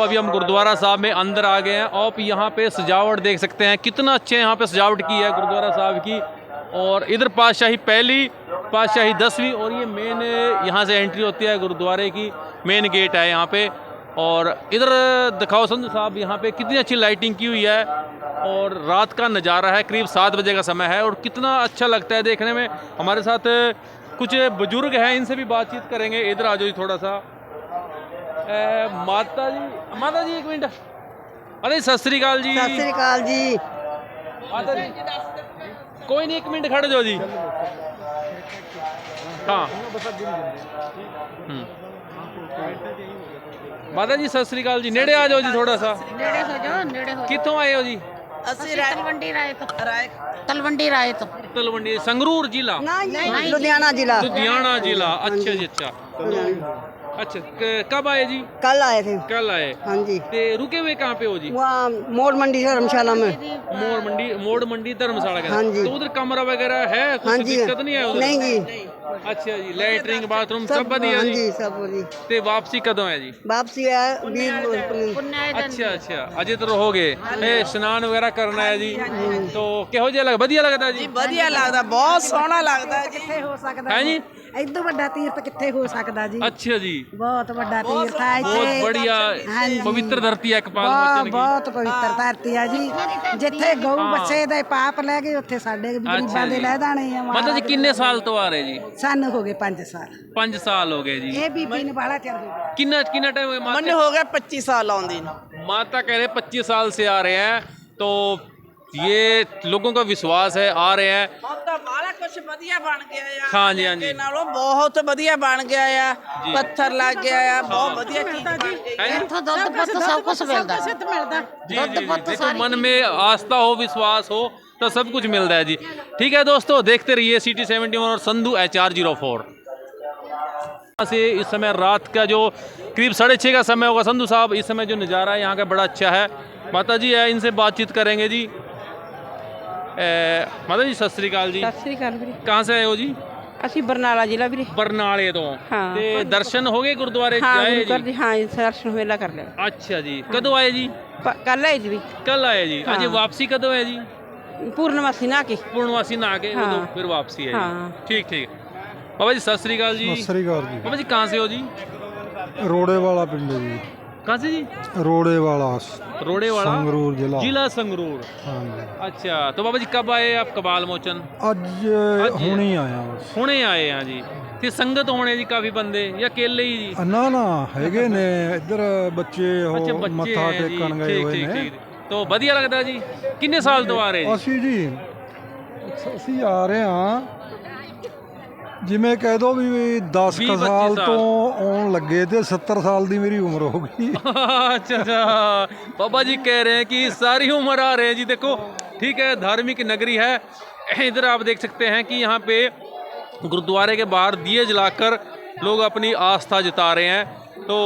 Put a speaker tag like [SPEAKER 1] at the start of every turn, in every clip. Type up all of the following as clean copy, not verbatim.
[SPEAKER 1] अभी हम गुरुद्वारा साहब में अंदर आ गए हैं। आप यहाँ पे सजावट देख सकते हैं, कितना अच्छे यहाँ पे सजावट की है गुरुद्वारा साहब की। और इधर पातशाही पहली, पातशाही 10वीं, और ये मेन यहाँ से एंट्री होती है गुरुद्वारे की, मेन गेट है यहाँ पे। और इधर दिखाओ संधू साहब, यहाँ पे कितनी अच्छी लाइटिंग की हुई है और रात का नज़ारा है, करीब 7 बजे का समय है और कितना अच्छा लगता है देखने में। हमारे साथ कुछ बुजुर्ग हैं, इनसे भी बातचीत करेंगे। इधर आ जाओ जी थोड़ा सा। माता जी एक मिनट। अरे सत श्री अकाल जी।
[SPEAKER 2] सत श्री अकाल जी।
[SPEAKER 1] माता जी कोई नहीं, 1 मिनट खड़े जाओ जी। हाँ माता जी सत श्री अकाल जी, नेड़े आ जाओ जी थोड़ा सा।
[SPEAKER 3] नेड़े हो जाओ, नेड़े हो।
[SPEAKER 1] कितों आए हो जी?
[SPEAKER 3] ਅਸੀਂ ਤਲਵੰਡੀ ਰਾਏ ਤੋਂ। ਤਲਵੰਡੀ ਰਾਏ ਤੋਂ।
[SPEAKER 1] तलवंडी संगरूर जिला,
[SPEAKER 2] नहीं, लुधियाना जिला।
[SPEAKER 1] लुधियाना जिला। अच्छा जी, अच्छा अच्छा। कब आए जी?
[SPEAKER 2] कल आए थे।
[SPEAKER 1] कल आए।
[SPEAKER 2] हाँ जी।
[SPEAKER 1] ते रुके हुए कहाँ पे हो जी?
[SPEAKER 2] वहाँ मोड़ मंडी धर्मशाला में।
[SPEAKER 1] मोड़ मंडी धर्मशाला के।
[SPEAKER 2] हाँ जी।
[SPEAKER 1] तो उधर कमरा वगैरह है? कुछ
[SPEAKER 2] हाँ जी।
[SPEAKER 1] दिक्कत नहीं है उधर?
[SPEAKER 2] नहीं जी।
[SPEAKER 1] अच्छा जी, लैटरिंग बाथरूम सब बढ़िया
[SPEAKER 2] हाँ
[SPEAKER 1] जी?
[SPEAKER 2] जी, सब बढ़िया।
[SPEAKER 1] ते वापसी कदों है जी?
[SPEAKER 2] वापसी है 20
[SPEAKER 1] अच्छा अच्छा, अजय तो रहोगे। स्नान वगैरह करना है जी, तो किहो जिहा लग बढ़िया लगता है जी?
[SPEAKER 4] ਵਧੀਆ ਲੱਗਦਾ, ਬਹੁਤ ਸੋਹਣਾ ਲੱਗਦਾ ਜੀ।
[SPEAKER 2] किथे हो सकता
[SPEAKER 1] है जी?
[SPEAKER 2] इदो बड़ा तीर्थ किथे हो सकता जी?
[SPEAKER 1] अच्छा जी,
[SPEAKER 2] बहुत बड़ा तीर्थ है
[SPEAKER 1] बहुत
[SPEAKER 2] इत्थे।
[SPEAKER 1] बढ़िया
[SPEAKER 2] हाँ जी।
[SPEAKER 1] पवित्र धरती है कपाल
[SPEAKER 2] बहुत
[SPEAKER 1] मोचन की।
[SPEAKER 2] बहुत पवित्र धरती है जी। जिथे गऊ बच्चे दे पाप ले गए उत्थे साडे गरीबां दे ले जाने आ।
[SPEAKER 1] मतलब जी किन्ने साल तो आ रहे जी?
[SPEAKER 2] सानू हो गए 5 साल।
[SPEAKER 1] 5 साल हो गए जी।
[SPEAKER 2] ये बीबी ने बाड़ा चढ़ गई।
[SPEAKER 1] किन्ना किन्ना टाइम हो गया?
[SPEAKER 4] ਮੈਨੂੰ ਹੋ ਗਿਆ 25 ਸਾਲ ਆਉਂਦੀ ਨੂੰ।
[SPEAKER 1] माता कह रहे 25 साल से आ रहे हैं, तो ये लोगों का विश्वास है, आ रहे हैं।
[SPEAKER 4] ਹੁਣ ਤਾਂ ਬਾਹਲਾ ਕੁਝ ਵਧੀਆ ਬਣ ਗਿਆ ਆ।
[SPEAKER 1] हाँ जी हाँ जी।
[SPEAKER 4] ਅੱਗੇ ਨਾਲੋਂ ਬਹੁਤ ਵਧੀਆ ਬਣ ਗਿਆ ਆ। ਪੱਥਰ ਲੱਗ ਗਿਆ ਆ, ਬਹੁਤ ਵਧੀਆ ਚੀਜ਼ ਬਣ ਗਈ।
[SPEAKER 1] है जी?
[SPEAKER 3] ਇੱਥੋਂ ਦੁੱਧ ਪੁੱਤ ਸਭ ਕੁਝ ਮਿਲਦਾ।
[SPEAKER 1] जी जी जी, देखो मन में आस्था हो, विश्वास हो तो सब कुछ मिलता है जी। ठीक है दोस्तों, देखते रहिए सिटी 71 और संधू HR04 से। इस समय रात का जो करीब 6:30 का समय होगा संधू साहब, इस समय जो नज़ारा है यहाँ का बड़ा अच्छा है। माता जी है, इनसे बातचीत करेंगे जी। माता जी सत श्री अकाल जी।
[SPEAKER 5] ਸਤਿ ਸ੍ਰੀ ਅਕਾਲ ਵੀਰੇ।
[SPEAKER 1] कहाँ से आए हो जी?
[SPEAKER 5] ਅਸੀਂ ਬਰਨਾਲਾ ਜ਼ਿਲ੍ਹਾ ਵੀਰੇ।
[SPEAKER 1] बरनाले तो।
[SPEAKER 5] हाँ।
[SPEAKER 1] ते दर्शन हो गए गुरुद्वारे
[SPEAKER 5] ਹਾਂ
[SPEAKER 1] आए
[SPEAKER 5] ਗੁਰੂ ਘਰ
[SPEAKER 1] जी?
[SPEAKER 5] ਦੀ ਹਾਂ ਦਰਸ਼ਨ ਮੇਲਾ ਕਰ ਲਿਆ।
[SPEAKER 1] अच्छा जी, कदों आए जी?
[SPEAKER 5] ਕੱਲ ਆਏ ਜੀ ਵੀ
[SPEAKER 1] कल आए जी।
[SPEAKER 5] हाँ।
[SPEAKER 1] अजय वापसी कदों है जी?
[SPEAKER 5] ਪੂਰਨਮਾਸੀ ਨਾ ਕੇ।
[SPEAKER 1] पूर्णवासी नहा के
[SPEAKER 5] हाँ।
[SPEAKER 1] तो फिर वापसी है जी।
[SPEAKER 5] हाँ।
[SPEAKER 1] ठीक ठीक। बाबा जी सत श्री अकाल जी।
[SPEAKER 6] ਸਤਿ ਸ੍ਰੀ ਅਕਾਲ ਜੀ।
[SPEAKER 1] बाबा जी कहाँ से हो जी?
[SPEAKER 6] ਰੋੜੇ ਵਾਲਾ ਪਿੰਡ ਹੈ ਜੀ।
[SPEAKER 1] कहाँ से जी?
[SPEAKER 6] ਰੋੜੇ ਵਾਲਾ
[SPEAKER 1] रोड़े वाला
[SPEAKER 6] ਸੰਗਰੂਰ ਜ਼ਿਲ੍ਹਾ।
[SPEAKER 1] जिला संगरूर।
[SPEAKER 6] ਹਾਂਜੀ।
[SPEAKER 1] अच्छा, तो बाबा जी कब आए आप कपाल मोचन?
[SPEAKER 6] ਅੱਜ ਹੁਣੀ ਆਇਆ ਬਸ।
[SPEAKER 1] हुणे आए हैं जी। ते संगत होने जी काफी बंदे या अकेले ही जी?
[SPEAKER 6] ਨਾ ਨਾ ਹੈਗੇ ਨੇ ਇੱਧਰ ਬੱਚੇ
[SPEAKER 1] अच्छा
[SPEAKER 6] ਉਹ
[SPEAKER 1] बच्चे
[SPEAKER 6] ਮੱਥਾ
[SPEAKER 1] हैं जी।
[SPEAKER 6] ਟੇਕਣ ਗਏ
[SPEAKER 1] ठीक
[SPEAKER 6] ਹੋਏ
[SPEAKER 1] ठीक
[SPEAKER 6] ਨੇ।
[SPEAKER 1] ठीक। तो बढ़िया लगता है जी। किन्ने साल तो आ रहे जी?
[SPEAKER 6] ਅਸੀਂ ਆ ਰਹੇ ਹਾਂ, ਜਿਵੇਂ ਕਹਿ ਦੋ ਵੀ 10
[SPEAKER 1] 20-25
[SPEAKER 6] ਸਾਲ
[SPEAKER 1] ਸਾਲ।
[SPEAKER 6] ਤੋਂ ਆਉਣ ਲੱਗੇ ਤੇ 70 ਸਾਲ ਦੀ ਮੇਰੀ ਉਮਰ ਹੋ ਗਈ।
[SPEAKER 1] अच्छा अच्छा, बाबा जी कह रहे हैं कि सारी उम्र आ रहे हैं जी। देखो ठीक है, धार्मिक नगरी है। इधर आप देख सकते हैं कि यहाँ पे गुरुद्वारे के बाहर दिए जलाकर लोग अपनी आस्था जता रहे हैं। तो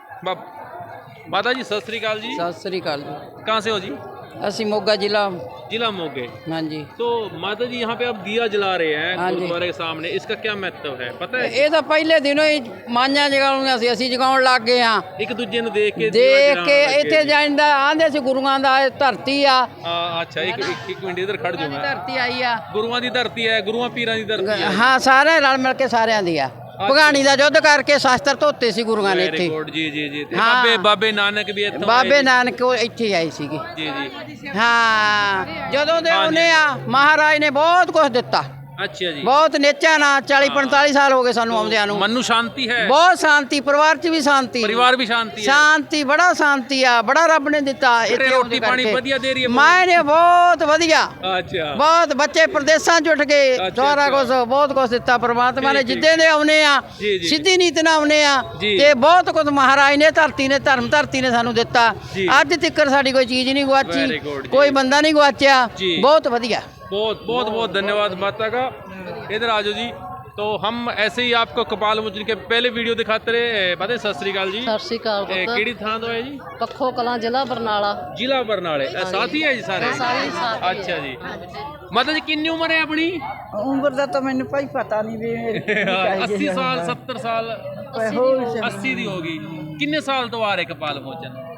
[SPEAKER 1] माता जी सत श्री अकाल जी।
[SPEAKER 5] ਸਤਿ ਸ੍ਰੀ ਅਕਾਲ ਜੀ।
[SPEAKER 1] कहाँ से हो जी?
[SPEAKER 5] ਅਸੀਂ ਮੋਗਾ ਜ਼ਿਲ੍ਹਾ।
[SPEAKER 1] जिला मोगे।
[SPEAKER 5] ਹਾਂਜੀ।
[SPEAKER 1] तो माता जी यहाँ पे आप दिया जला रहे हैं
[SPEAKER 5] हाँ जी।
[SPEAKER 1] गुरुद्वारे के सामने, इसका क्या महत्व है पता है?
[SPEAKER 5] ਇਹ ਤਾਂ ਪਹਿਲੇ ਦਿਨੋਂ ਹੀ ਮਾഞ്ഞਾਂ ਜਗਾਉਣੀਆਂ ਸੀ, ਅਸੀਂ ਜਗਾਉਣ ਲੱਗ ਗਏ ਹਾਂ।
[SPEAKER 1] एक दूजे ने देख के
[SPEAKER 5] ਦੇਖ ਕੇ ਇੱਥੇ ਜਾਂਦਾ ਆਂਦੇ ਸੀ ਗੁਰੂਆਂ ਦਾ ਇਹ ਧਰਤੀ ਆ।
[SPEAKER 1] अच्छा एक मिनट इधर खड़ जाओ मैं।
[SPEAKER 5] ਧਰਤੀ ਆਈ ਆ।
[SPEAKER 1] गुरुआं दी धरती है, गुरुआं पीरां दी धरती है।
[SPEAKER 5] ਹਾਂ ਸਾਰੇ ਰਲ ਮਿਲ ਕੇ ਸਾਰਿਆਂ ਦੀ ਆ। ਭਗਾਣੀ ਦਾ ਯੁੱਧ ਕਰਕੇ ਸ਼ਾਸਤਰ ਧੋਤੇ ਸੀ ਗੁਰੂਆਂ ਨੇ
[SPEAKER 1] Very
[SPEAKER 5] ਇੱਥੇ।
[SPEAKER 1] good, ਜੀ ਜੀ ਜੀ। ਤੇ
[SPEAKER 5] ਹਾਂ।
[SPEAKER 1] ਬਾਬੇ ਨਾਨਕ ਵੀ ਇੱਥੋਂ
[SPEAKER 5] ਬਾਬੇ
[SPEAKER 1] ਆਏ
[SPEAKER 5] ਨਾਨਕ ਉਹ ਇੱਥੇ ਹੀ ਆਏ ਸੀਗੇ।
[SPEAKER 1] ਜੀ ਜੀ।
[SPEAKER 5] ਹਾਂ ਜਦੋਂ ਦੇ ਉਹਨੇ ਆ ਮਹਾਰਾਜ ਨੇ ਬਹੁਤ ਕੁਝ ਦਿੱਤਾ।
[SPEAKER 1] अच्छा जी।
[SPEAKER 5] ਬਹੁਤ ਨੇਚਾ ਨਾ 40-45 ਸਾਲ ਹੋ ਗਏ ਸਾਨੂੰ ਆਉਂਦਿਆਂ ਨੂੰ।
[SPEAKER 1] मन नू शांति है,
[SPEAKER 5] ਬਹੁਤ ਸ਼ਾਂਤੀ, ਪਰਿਵਾਰ 'ਚ ਵੀ ਸ਼ਾਂਤੀ।
[SPEAKER 1] परिवार भी शांति है।
[SPEAKER 5] ਸ਼ਾਂਤੀ, ਬੜਾ ਸ਼ਾਂਤੀ ਆ, ਬੜਾ ਰੱਬ ਨੇ ਦਿੱਤਾ ਇੱਥੇ
[SPEAKER 1] रोटी
[SPEAKER 5] ਆਉਂਦੇ
[SPEAKER 1] पानी
[SPEAKER 5] ਕਰਕੇ।
[SPEAKER 1] बढ़िया दे रही है?
[SPEAKER 5] ਮਾਂ ਨੇ ਬਹੁਤ ਵਧੀਆ,
[SPEAKER 1] अच्छा
[SPEAKER 5] ਬਹੁਤ ਬੱਚੇ ਪ੍ਰਦੇਸ਼ਾਂ 'ਚ ਉੱਠ ਗਏ,
[SPEAKER 1] ਅੱਛਾ,
[SPEAKER 5] ਸਾਰਾ
[SPEAKER 1] ਅੱਛਾ।
[SPEAKER 5] ਕੁਝ ਬਹੁਤ ਕੁਝ ਦਿੱਤਾ ਪਰਮਾਤਮਾ ਨੇ।
[SPEAKER 1] ਠੀਕ,
[SPEAKER 5] ਜਿੱਦੇ ਦੇ ਆਉਨੇ ਆ
[SPEAKER 1] ਜੀ, ਜੀ।
[SPEAKER 5] ਸਿੱਧੀ ਨੀਤ ਨਾਲ ਆਉਨੇ ਆ
[SPEAKER 1] ਜੀ।
[SPEAKER 5] ਤੇ ਬਹੁਤ ਕੁਝ ਮਹਾਰਾਜ ਨੇ ਧਰਤੀ ਨੇ ਧਰਤੀ ਨੇ ਸਾਨੂੰ ਦਿੱਤਾ।
[SPEAKER 1] ਜੀ।
[SPEAKER 5] ਅੱਜ ਤੱਕ ਸਾਡੀ ਕੋਈ ਚੀਜ਼ ਨਹੀਂ
[SPEAKER 1] Very
[SPEAKER 5] ਗਵਾਚੀ,
[SPEAKER 1] good, जी।
[SPEAKER 5] ਕੋਈ ਬੰਦਾ नहीं ਗਵਾਚਿਆ।
[SPEAKER 1] जी।
[SPEAKER 5] ਬਹੁਤ ਵਧੀਆ।
[SPEAKER 1] बहुत बहुत बहुत धन्यवाद माता का। इधर आ जाओ जी। तो हम ऐसे ही आपको कपाल मोचन के पहले वीडियो दिखाते रहे। पता है सत श्री अकाल जी।
[SPEAKER 7] ਸਤਿ ਸ਼੍ਰੀ ਅਕਾਲ ਪੁੱਤ।
[SPEAKER 1] केड़ी थां तो है जी?
[SPEAKER 7] ਪੱਖੋ ਕਲਾਂ ਜ਼ਿਲ੍ਹਾ ਬਰਨਾਲਾ।
[SPEAKER 1] जिला बरनाले। साथ ही है जी सारे?
[SPEAKER 7] ਸਾਰੇ ਸਾਥ ਹੀ
[SPEAKER 1] अच्छा जी। माता जी कितनी उम्र है अपनी?
[SPEAKER 2] उम्र ਦਾ ਤਾਂ ਮੈਨੂੰ ਭਾਈ ਪਤਾ ਨਹੀਂ ਵੀ
[SPEAKER 1] 80 साल 70 साल 80 दी होगी। किन्ने साल तो आ रहे कपाल मोचन?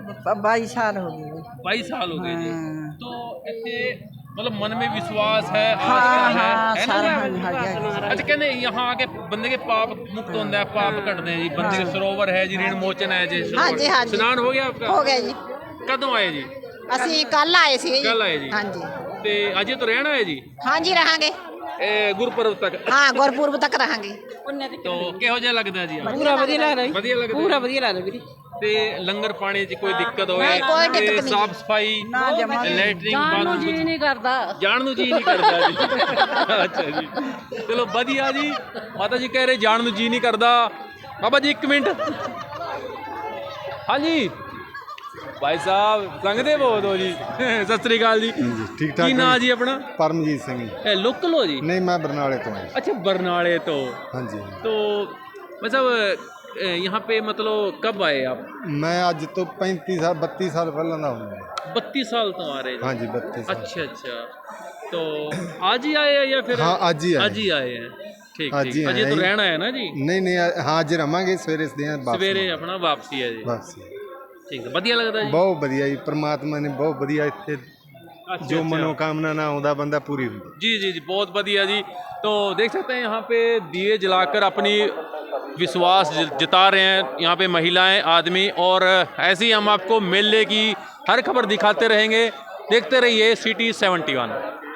[SPEAKER 4] 22 साल हो गए।
[SPEAKER 1] 22 साल हो गए जी।
[SPEAKER 4] हाँ।
[SPEAKER 1] तो ਇੱਥੇ मतलब मन में विश्वास है
[SPEAKER 4] हाँ,
[SPEAKER 1] आस्था
[SPEAKER 4] हाँ,
[SPEAKER 1] है
[SPEAKER 4] सारा
[SPEAKER 1] ना?
[SPEAKER 4] हाँ, हाँ,
[SPEAKER 1] अच्छा कहने यहाँ आके बंदे के पाप मुक्त होता है, पाप कटते हैं जी, बंदे के सरोवर है जी, ऋण मोचन है जी,
[SPEAKER 8] हाँ जी, हाँ जी।
[SPEAKER 1] स्नान हो गया आपका?
[SPEAKER 8] ਹੋ ਗਿਆ ਜੀ
[SPEAKER 1] कदों आए जी?
[SPEAKER 8] ਅਸੀਂ ਕੱਲ ਆਏ ਸੀ ਜੀ
[SPEAKER 1] कल आए जी।
[SPEAKER 8] ਹਾਂਜੀ
[SPEAKER 1] ਤੇ ਅਜੇ ਤੋਂ ਰਹਿਣਾ ਹੈ ਜੀ
[SPEAKER 8] ਹਾਂਜੀ ਰਹਾਂਗੇ
[SPEAKER 1] ਗੁਰਪੁਰਬ ਤੱਕ।
[SPEAKER 8] ਹਾਂ ਗੁਰਪੁਰਬ ਤੱਕ ਰਹਾਂਗੇ
[SPEAKER 1] तो ਕਿਹੋ ਜਿਹਾ ਲੱਗਦਾ ਜੀ?
[SPEAKER 4] पूरा बढ़िया लग रहा है।
[SPEAKER 1] ਵਧੀਆ ਲੱਗਦਾ
[SPEAKER 4] पूरा बढ़िया लग रहा है ਵੀਰੇ।
[SPEAKER 1] ਤੇ ਲੰਗਰ ਪਾਣੀ 'ਚ ਕੋਈ ਦਿੱਕਤ ਹੋਵੇ
[SPEAKER 8] ਨਹੀਂ, ਕੋਈ ਦਿੱਕਤ ਨਹੀਂ।
[SPEAKER 1] ਸਾਫ ਸਫਾਈ ਲੈਟਰਿੰਗ ਬਾਥਰੂਮ
[SPEAKER 7] ਜੀ ਨਹੀਂ ਕਰਦਾ
[SPEAKER 1] ਜਾਣ ਨੂੰ ਜੀ ਨਹੀਂ ਕਰਦਾ ਜੀ। ਅੱਛਾ ਜੀ ਚਲੋ ਵਧੀਆ ਜੀ। ਮਾਤਾ ਜੀ ਕਹਿ ਰਹੇ ਜਾਣ ਨੂੰ ਜੀ ਨਹੀਂ ਕਰਦਾ। ਬਾਬਾ ਜੀ 1 ਮਿੰਟ। ਹਾਂਜੀ ਭਾਈ ਸਾਹਿਬ ਸੰਗਦੇ ਬਹੁਤ ਹੋ ਜੀ। ਸਤਿ ਸ੍ਰੀ ਅਕਾਲ ਜੀ।
[SPEAKER 9] ਠੀਕ ਠਾਕ
[SPEAKER 1] ਕੀ ਨਾਂ ਜੀ ਆਪਣਾ?
[SPEAKER 9] परमजीत सिंह जी।
[SPEAKER 1] ਇਹ ਲੋਕਲ ਹੋ ਜੀ?
[SPEAKER 9] नहीं मैं बरनाले तो हूँ।
[SPEAKER 1] अच्छा बरनाले तो।
[SPEAKER 9] हाँ जी।
[SPEAKER 1] तो मतलब यहाँ पे मतलब कब आए आप?
[SPEAKER 9] मैं आज तो 32 साल पहले ना हूँ।
[SPEAKER 1] 32 साल तो आ रहे हैं।
[SPEAKER 9] हाँ जी 32 साल।
[SPEAKER 1] अच्छा अच्छा तो आज ही आए हैं या फिर?
[SPEAKER 9] हाँ आज ही आए।
[SPEAKER 1] आज ही आए हैं। ठीक
[SPEAKER 9] आज ही
[SPEAKER 1] ठीक। अजय
[SPEAKER 9] आए
[SPEAKER 1] तो
[SPEAKER 9] हैं।
[SPEAKER 1] रहना है ना जी?
[SPEAKER 9] नहीं हाँ आज रवांगे सवेरे
[SPEAKER 1] सवेरे अपना वापसी है जी।
[SPEAKER 9] वापसी
[SPEAKER 1] ठीक है बढ़िया लगता है जी।
[SPEAKER 9] बहुत बढ़िया जी परमात्मा ने बहुत बढ़िया इतने
[SPEAKER 1] अच्छा,
[SPEAKER 9] जो
[SPEAKER 1] अच्छा।
[SPEAKER 9] मनोकामना ना होता बंदा पूरी होती।
[SPEAKER 1] जी जी जी बहुत बढ़िया जी। तो देख सकते हैं यहाँ पे दिए जलाकर अपनी विश्वास जता रहे हैं यहाँ पे महिलाएं आदमी। और ऐसे ही हम आपको मेले की हर खबर दिखाते रहेंगे। देखते रहिए सिटी 71।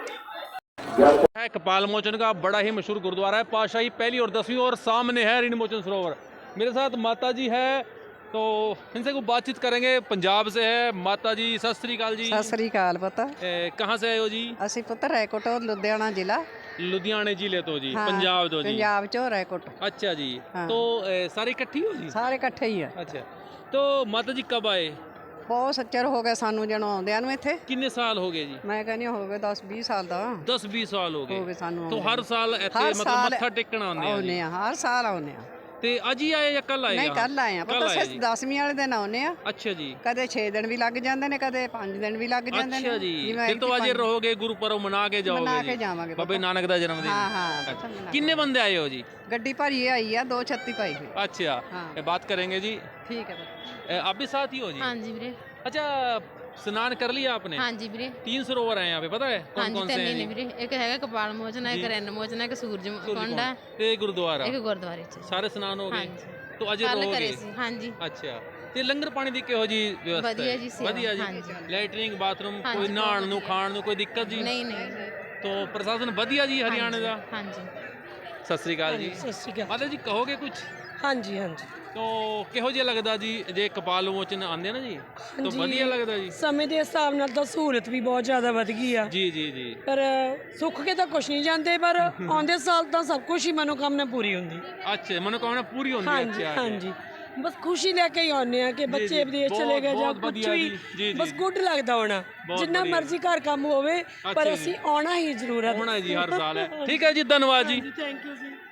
[SPEAKER 1] है कपाल मोचन का बड़ा ही मशहूर गुरुद्वारा है, पातशाही पहली और 10वीं, और सामने है ऋण मोचन सरोवर। मेरे साथ माता जी है तो इनसे कुछ बातचीत करेंगे। पंजाब से है माता जी। सत श्री अकाल जी।
[SPEAKER 2] ਸਤਿ ਸ੍ਰੀ ਅਕਾਲ ਪੁੱਤ।
[SPEAKER 1] कहाँ से आए हो जी?
[SPEAKER 2] ਅਸੀਂ ਪੁੱਤ ਰੈਕੋਟ ਲੁਧਿਆਣਾ ਜ਼ਿਲ੍ਹਾ
[SPEAKER 1] लुधियाने जिले तो जी।
[SPEAKER 2] हाँ,
[SPEAKER 1] पंजाब तो जी।
[SPEAKER 2] ਪੰਜਾਬ ਚੋਂ ਰੈਕੋਟ
[SPEAKER 1] अच्छा जी।
[SPEAKER 2] हाँ।
[SPEAKER 1] तो सारी इकट्ठी हो जी?
[SPEAKER 2] ਸਾਰੇ ਇਕੱਠੇ ਹੀ ਆ।
[SPEAKER 1] अच्छा तो माता जी कब आए?
[SPEAKER 2] ਬਹੁਤ ਸੱਚਰ ਹੋ ਗਿਆ ਸਾਨੂੰ ਜਦੋਂ ਆਉਂਦਿਆਂ ਨੂੰ ਇੱਥੇ।
[SPEAKER 1] कितने साल हो गए जी?
[SPEAKER 2] ਮੈਂ ਕਹਿੰਦੀ ਹੋ ਗਏ 10-20 ਸਾਲ ਦਾ
[SPEAKER 1] 10-20 साल हो
[SPEAKER 2] ਹੋ ਗਏ
[SPEAKER 1] गए।
[SPEAKER 2] ਸਾਨੂੰ
[SPEAKER 1] तो
[SPEAKER 2] ਆਉਂਦਿਆਂ
[SPEAKER 1] हर साल ऐसे
[SPEAKER 2] हर
[SPEAKER 1] मतलब
[SPEAKER 2] साल
[SPEAKER 1] मत्था टेकना आने
[SPEAKER 2] ਆਉਂਦੇ ਆ ਹਰ ਸਾਲ ਆਉਂਦੇ ਆ।
[SPEAKER 1] ते आज ही आए या कल आए?
[SPEAKER 2] ਨਹੀਂ
[SPEAKER 1] यहाँ?
[SPEAKER 2] ਕੱਲ ਆਏ ਆ
[SPEAKER 1] कल
[SPEAKER 2] ਪੁੱਤ
[SPEAKER 1] आए जी।
[SPEAKER 2] 10ਵੀਂ ਵਾਲੇ ਦਿਨ ਆਉਂਦੇ ਆ।
[SPEAKER 1] अच्छा जी।
[SPEAKER 2] ਕਦੇ 6 ਦਿਨ ਵੀ ਲੱਗ ਜਾਂਦੇ ਨੇ ਕਦੇ 5 ਦਿਨ ਵੀ ਲੱਗ ਜਾਂਦੇ ਨੇ।
[SPEAKER 1] अच्छा जी।
[SPEAKER 2] ਜਿਵੇਂ
[SPEAKER 1] फिर तो आज
[SPEAKER 2] ਐਤਕੀ
[SPEAKER 1] रहोगे गुरुपर्व मना के जाओगे
[SPEAKER 2] मना
[SPEAKER 1] जी?
[SPEAKER 2] के जावांगे
[SPEAKER 1] बाबे
[SPEAKER 2] पापा।
[SPEAKER 1] नानक दा जन्मदिन।
[SPEAKER 2] हाँ, हाँ,
[SPEAKER 1] अच्छा।
[SPEAKER 2] पता मना के।
[SPEAKER 1] कितने बंदे आए हो जी?
[SPEAKER 2] ਗੱਡੀ ਭਰੀ ਆਈ ਆ 236 ਪਾਈ ਹੋਈ।
[SPEAKER 1] अच्छा
[SPEAKER 2] हाँ।
[SPEAKER 1] बात करेंगे जी।
[SPEAKER 2] ਠੀਕ ਹੈ ਪੁੱਤ।
[SPEAKER 1] आप भी साथ ही हो जी?
[SPEAKER 3] ਹਾਂਜੀ ਵੀਰੇ।
[SPEAKER 1] अच्छा स्नान कर लिया आपने?
[SPEAKER 3] ਹਾਂਜੀ ਵੀਰੇ।
[SPEAKER 1] 3 सरोवर हैं यहाँ पे पता है कौन
[SPEAKER 3] ਹਾਂਜੀ
[SPEAKER 1] कौन से
[SPEAKER 3] ਤਿੰਨ
[SPEAKER 1] हैं
[SPEAKER 3] ਹੀ ਨੇ
[SPEAKER 1] जी?
[SPEAKER 3] ਵੀਰੇ। ਇੱਕ ਹੈਗਾ ਕਪਾਲ ਮੋਚਨ, ਇੱਕ ਰੈਨ ਮੋਚਨ, ਇੱਕ ਸੂਰਜ ਕੁੰਡ ਹੈ,
[SPEAKER 1] ते गुरुद्वारा
[SPEAKER 3] ਇੱਕ ਗੁਰਦੁਆਰੇ ਚ।
[SPEAKER 1] सारे स्नान हो गए?
[SPEAKER 3] ਹਾਂਜੀ
[SPEAKER 1] तो अजय
[SPEAKER 3] ਕੱਲ
[SPEAKER 1] रहोगे?
[SPEAKER 3] ਕਰੇ ਸੀ। ਹਾਂਜੀ
[SPEAKER 1] ਅੱਛਾ ਤੇ ਲੰਗਰ ਪਾਣੀ ਦੀ ਕਿਹੋ ਜੀ ਵਿਵਸਥਾ
[SPEAKER 3] ਵਧੀਆ
[SPEAKER 1] ਹੈ?
[SPEAKER 3] ਜੀ ਸੇਵਾ।
[SPEAKER 1] ਵਧੀਆ ਜੀ।
[SPEAKER 3] ਹਾਂਜੀ।
[SPEAKER 1] ਲੈਟਰਿੰਗ ਬਾਥਰੂਮ
[SPEAKER 3] ਹਾਂਜੀ,
[SPEAKER 1] ਕੋਈ
[SPEAKER 3] ਬਹੁਤ
[SPEAKER 1] ਨਹਾਉਣ ਨੂੰ
[SPEAKER 3] ਵਧੀਆ।
[SPEAKER 1] ਖਾਣ ਨੂੰ ਕੋਈ ਦਿੱਕਤ ਜੀ?
[SPEAKER 3] ਨਹੀਂ ਨਹੀਂ।
[SPEAKER 1] तो प्रशासन ਵਧੀਆ ਜੀ ਹਰਿਆਣੇ ਦਾ?
[SPEAKER 3] ਹਾਂਜੀ।
[SPEAKER 1] ਸਤਿ ਸ੍ਰੀ ਅਕਾਲ ਜੀ।
[SPEAKER 4] सत श्री अकाल।
[SPEAKER 1] ਮਾਤਾ ਜੀ ਕਹੋਗੇ ਕੁਝ?
[SPEAKER 4] ਹਾਂਜੀ ਹਾਂਜੀ।
[SPEAKER 1] तो ਕਿਹੋ ਜਿਹਾ ਲੱਗਦਾ ਜੀ ਜੇ ਕਪਾਲ ਮੋਚਨ ਆਉਂਦੇ ਨਾ ਜੀ ਤਾਂ ਵਧੀਆ ਲੱਗਦਾ ਜੀ?
[SPEAKER 10] ਸਮੇਂ ਦੇ ਹਿਸਾਬ ਨਾਲ ਤਾਂ ਸਹੂਲਤ ਵੀ ਬਹੁਤ ਜ਼ਿਆਦਾ ਵਧ ਗਈ ਆ,
[SPEAKER 1] ਜੀ ਜੀ ਜੀ।
[SPEAKER 10] ਪਰ ਸੁੱਖ ਕੇ ਤਾਂ ਕੁਛ ਨਹੀਂ ਜਾਂਦੇ, ਪਰ ਆਉਂਦੇ ਸਾਲ ਤਾਂ ਸਭ ਕੁਝ ਹੀ ਮਨੋਕਾਮਨਾ ਪੂਰੀ ਹੁੰਦੀ।
[SPEAKER 1] ਅੱਛਾ ਮਨੋਕਾਮਨਾ ਪੂਰੀ ਹੁੰਦੀ ਹੈ?
[SPEAKER 10] ਹਾਂਜੀ
[SPEAKER 1] ਅੱਛਾ
[SPEAKER 10] ਹਾਂਜੀ ਬਸ ਖੁਸ਼ੀ ਲੈ ਕੇ ਹੀ ਆਉਂਦੇ ਆ ਕਿ ਬੱਚੇ ਵਿਦੇਸ਼ ਚਲੇ ਗਏ ਜਾਂ
[SPEAKER 1] ਬਹੁਤ
[SPEAKER 10] ਕੁਝ
[SPEAKER 1] ਵਧੀਆ ਜੀ।
[SPEAKER 10] ਵੀ,
[SPEAKER 1] ਜੀ,
[SPEAKER 10] ਬਸ
[SPEAKER 1] ਜੀ।
[SPEAKER 10] ਗੁੱਡ ਲੱਗਦਾ ਹੋਣਾ।
[SPEAKER 1] ਬਹੁਤ
[SPEAKER 10] ਜਿੰਨਾ
[SPEAKER 1] ਵਧੀਆ।
[SPEAKER 10] ਮਰਜ਼ੀ ਘਰ ਕੰਮ ਹੋਵੇ
[SPEAKER 1] ਅੱਛਾ
[SPEAKER 10] ਪਰ
[SPEAKER 1] ਜੀ।
[SPEAKER 10] ਅਸੀਂ ਆਉਣਾ ਹੀ ਜ਼ਰੂਰ ਹੈ।
[SPEAKER 1] ਹੋਣਾ ਜੀ ਹਰ साल है। ठीक है जी धन्यवाद जी।
[SPEAKER 10] ਥੈਂਕ ਯੂ ਜੀ।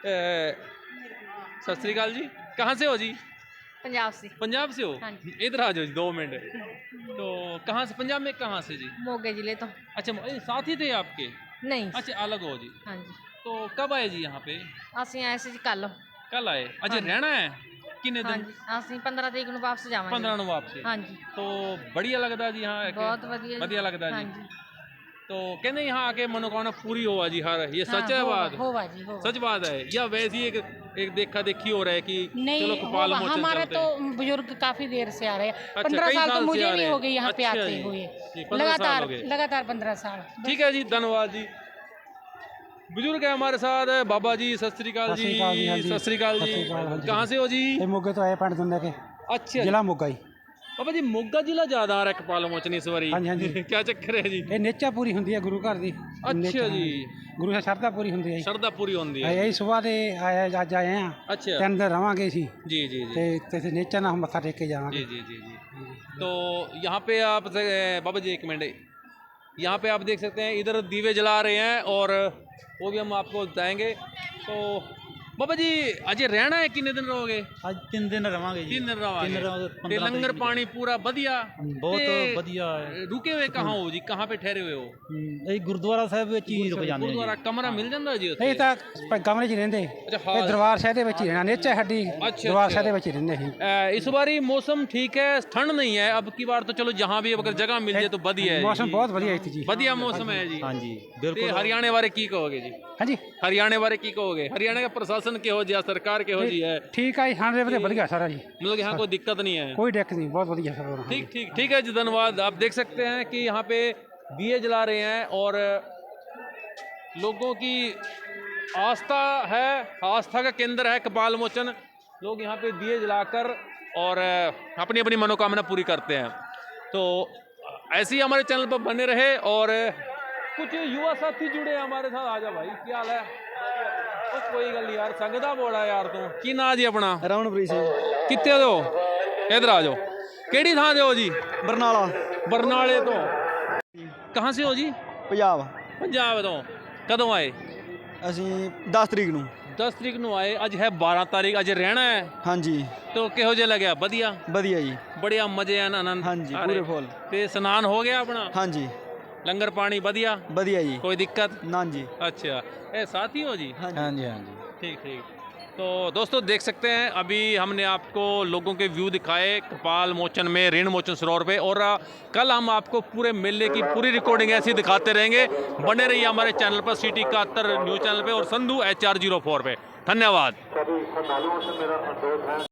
[SPEAKER 1] सत श्री अकाल जी। कहाँ से हो जी?
[SPEAKER 3] ਪੰਜਾਬ ਸੀ।
[SPEAKER 1] पंजाब से हो?
[SPEAKER 3] हाँ
[SPEAKER 1] इधर आ जाओ जी 2 मिनट। तो कहाँ से? पंजाब में कहाँ से जी?
[SPEAKER 3] ਮੋਗੇ ਜ਼ਿਲ੍ਹੇ ਤੋਂ।
[SPEAKER 1] अच्छा साथ ही थे आपके?
[SPEAKER 3] ਨਹੀਂ।
[SPEAKER 1] अच्छा अलग हो जी।
[SPEAKER 3] ਹਾਂਜੀ
[SPEAKER 1] तो कब आए जी यहाँ पे?
[SPEAKER 3] ਅਸੀਂ ਆਏ ਸੀ ਜੀ ਕੱਲ।
[SPEAKER 1] कल आए? अच्छा रहना है कितने दिन?
[SPEAKER 3] ਹਾਂਜੀ ਅਸੀਂ 15 ਤਰੀਕ ਨੂੰ ਵਾਪਸ ਜਾਵਾਂਗੇ।
[SPEAKER 1] 15 ਨੂੰ वापसी।
[SPEAKER 3] ਹਾਂਜੀ
[SPEAKER 1] तो बढ़िया लगता है जी यहाँ आके?
[SPEAKER 3] ਬਹੁਤ ਵਧੀਆ ਜੀ।
[SPEAKER 1] बढ़िया लगता है जी।
[SPEAKER 3] ਹਾਂਜੀ
[SPEAKER 1] तो कहते हैं यहाँ आके मनोकामना पूरी होगा जी हर। ये सच है बात?
[SPEAKER 3] होवा जी होवा।
[SPEAKER 1] सच बात है या वैसे ही एक देखा देखी हो रहा है कि
[SPEAKER 11] नहीं
[SPEAKER 1] चलो कपाल मोचन
[SPEAKER 11] हमारे
[SPEAKER 1] चलते
[SPEAKER 11] तो
[SPEAKER 1] हैं?
[SPEAKER 11] बुजुर्ग काफी देर से आ रहे हैं।
[SPEAKER 1] अच्छा,
[SPEAKER 11] 15
[SPEAKER 1] कई
[SPEAKER 11] साल तो
[SPEAKER 1] साल से
[SPEAKER 11] मुझे
[SPEAKER 1] आ
[SPEAKER 11] भी
[SPEAKER 1] रहे
[SPEAKER 11] हो
[SPEAKER 1] हैं।
[SPEAKER 11] गई यहाँ पे
[SPEAKER 1] अच्छा
[SPEAKER 11] आते
[SPEAKER 1] जी।
[SPEAKER 11] हुए।
[SPEAKER 1] जी, 15 साल हो गए।
[SPEAKER 11] लगातार 15 साल।
[SPEAKER 1] ठीक है जी धन्यवाद जी। बुजुर्ग है हमारे साथ बाबा जी। सत श्री अकाल जी। सत श्री अकाल जी। कहाँ से हो जी?
[SPEAKER 12] मोगे तो आए पिंड दुंदे के
[SPEAKER 1] अच्छा
[SPEAKER 12] जिला मोगा ही।
[SPEAKER 1] बाबा जी मोगा जिला ज्यादा आ रहा है कपाल मोचन इस बारी?
[SPEAKER 12] हाँ जी, हाँ जी।
[SPEAKER 1] क्या चक्कर है जी?
[SPEAKER 12] ये नेचा पूरी होंदी है गुरु घर दी।
[SPEAKER 1] अच्छा जी।
[SPEAKER 12] गुरु से श्रद्धा पूरी होंदी है।
[SPEAKER 1] श्रद्धा पूरी होंदी है।
[SPEAKER 12] यही सुबह दे आया अज आए हैं।
[SPEAKER 1] अच्छा
[SPEAKER 12] 3 दिन रवांगे सी
[SPEAKER 1] जी जी जी।
[SPEAKER 12] ते नेचा ना हम मत्था टेक के जावांगे।
[SPEAKER 1] जी जी जी जी। तो यहाँ पे आप बाबा जी 1 मिनट। यहाँ पे आप देख सकते हैं इधर दीवे जला रहे हैं और वो भी हम आपको बताएंगे। तो ਬਾਬਾ ਜੀ ਅਜੇ ਰਹਿਣਾ ਹੈ, ਕਿੰਨੇ ਦਿਨ ਰਹੋਗੇ?
[SPEAKER 12] ਅੱਜ 3 ਦਿਨ ਰਵਾਂਗੇ
[SPEAKER 1] 3 दिन रहोगे
[SPEAKER 12] रहोगे,
[SPEAKER 1] ते
[SPEAKER 12] 15
[SPEAKER 1] लंगर
[SPEAKER 12] तरीक
[SPEAKER 1] पानी पूरा बढ़िया
[SPEAKER 12] बहुत
[SPEAKER 1] ते
[SPEAKER 12] बढ़िया है।
[SPEAKER 1] रुके हुए कहाँ हो जी, कहाँ पे ठहरे हुए हो?
[SPEAKER 12] ਇਹ ਗੁਰਦੁਆਰਾ ਸਾਹਿਬ ਵਿੱਚ ਹੀ ਰੁਕ ਜਾਂਦੇ ਜੀ
[SPEAKER 1] गुरुद्वारा कमरा मिल जाता जी उत्थे?
[SPEAKER 12] ਇਹ ਤਾਂ ਕਮਰੇ 'ਚ ਹੀ ਰਹਿੰਦੇ
[SPEAKER 1] ਅੱਛਾ,
[SPEAKER 12] ਇਹ
[SPEAKER 1] ਹਾਲ।
[SPEAKER 12] ਦਰਬਾਰ ਸਾਹਿਬ ਦੇ ਵਿੱਚ ਹੀ ਰਹਿਣਾ ਨੇਚਾ ਸਾਡੀ
[SPEAKER 1] अच्छा,
[SPEAKER 12] ਦਰਬਾਰ
[SPEAKER 1] अच्छा।
[SPEAKER 12] ਸਾਹਿਬ ਦੇ ਵਿੱਚ ਹੀ ਰਹਿੰਦੇ ਸੀ
[SPEAKER 1] इस बारी मौसम ठीक है, ठंड नहीं है, अब की बार तो चलो जहाँ भी अगर जगह मिल जाए तो बढ़िया है
[SPEAKER 12] ਮੌਸਮ
[SPEAKER 1] जी।
[SPEAKER 12] ਬਹੁਤ ਵਧੀਆ ਇੱਥੇ ਜੀ
[SPEAKER 1] बढ़िया मौसम है जी।
[SPEAKER 12] ਹਾਂਜੀ
[SPEAKER 1] ਤੇ
[SPEAKER 12] ਬਿਲਕੁਲ
[SPEAKER 1] ਹਰਿਆਣੇ ਬਾਰੇ ਕੀ ਕਹੋਗੇ ਜੀ?
[SPEAKER 12] ਹਾਂਜੀ
[SPEAKER 1] ਹਰਿਆਣੇ ਬਾਰੇ ਕੀ ਕਹੋਗੇ? ਹਰਿਆਣਾ ਦਾ ਪ੍ਰਸ਼ਾਸਨ ਕਿਹੋ ਜਿਹਾ, ਸਰਕਾਰ ਕਿਹੋ ਜੀ है?
[SPEAKER 12] ਠੀਕ ਆ ਜੀ ਹਾਂ ਦੇ ਵਧੀਆ ਸਾਰਾ ਜੀ
[SPEAKER 1] मतलब यहाँ कोई दिक्कत नहीं है?
[SPEAKER 12] ਕੋਈ ਦਿੱਕਤ नहीं बहुत बढ़िया सब
[SPEAKER 1] ठीक ठीक ठीक है जी, धन्यवाद। आप देख सकते हैं कि यहाँ पे दिए जला रहे हैं और लोगों की आस्था है, आस्था का केंद्र है कपाल मोचन। लोग यहाँ पे दिए जलाकर और अपनी अपनी मनोकामना पूरी करते हैं। तो ऐसे ही हमारे चैनल पर बने रहे और कुछ युवा साथी जुड़े हैं हमारे साथ। आ जा भाई, क्या हाल है? कोई गल नहीं यार, संगदा बोड़ा यार तू की ना जी अपना?
[SPEAKER 12] ਰਮਨਪ੍ਰੀਤ ਸਿੰਘ
[SPEAKER 1] कितने दो इधर आ जाओ। केड़ी थां दे हो जी?
[SPEAKER 12] ਬਰਨਾਲਾ
[SPEAKER 1] बरनाले तो। कहाँ से हो जी?
[SPEAKER 12] ਪੰਜਾਬ
[SPEAKER 1] पंजाब तो। कदों आए?
[SPEAKER 12] ਅਸੀਂ 10 ਤਰੀਕ ਨੂੰ
[SPEAKER 1] 10 तरीक ਨੂੰ आए, अज है 12 तारीख, अज रहना है
[SPEAKER 12] ਹਾਂਜੀ
[SPEAKER 1] तो किहो जे लग्या? बढ़िया
[SPEAKER 12] ਵਧੀਆ ਜੀ
[SPEAKER 1] बढ़िया मजे आन आनंद?
[SPEAKER 12] ਹਾਂਜੀ
[SPEAKER 1] आ
[SPEAKER 12] ਪੂਰੇ
[SPEAKER 1] रहे।
[SPEAKER 12] ਫੁੱਲ
[SPEAKER 1] ते स्नान हो गया अपना?
[SPEAKER 12] ਹਾਂਜੀ
[SPEAKER 1] लंगर पानी बढ़िया?
[SPEAKER 12] ਵਧੀਆ ਜੀ
[SPEAKER 1] कोई दिक्कत?
[SPEAKER 12] ਨਾ जी
[SPEAKER 1] अच्छा, ए साथी हो जी?
[SPEAKER 12] ਹਾਂਜੀ ਹਾਂਜੀ
[SPEAKER 1] ठीक ठीक। तो दोस्तों देख सकते हैं अभी हमने आपको लोगों के व्यू दिखाए कपाल मोचन में, ऋण मोचन सरोवर पे, और कल हम आपको पूरे मेले की पूरी रिकॉर्डिंग ऐसी दिखाते रहेंगे। बने रहिए हमारे चैनल पर, सिटी 71 न्यूज़ चैनल पे और संधू HR04 पे। धन्यवाद।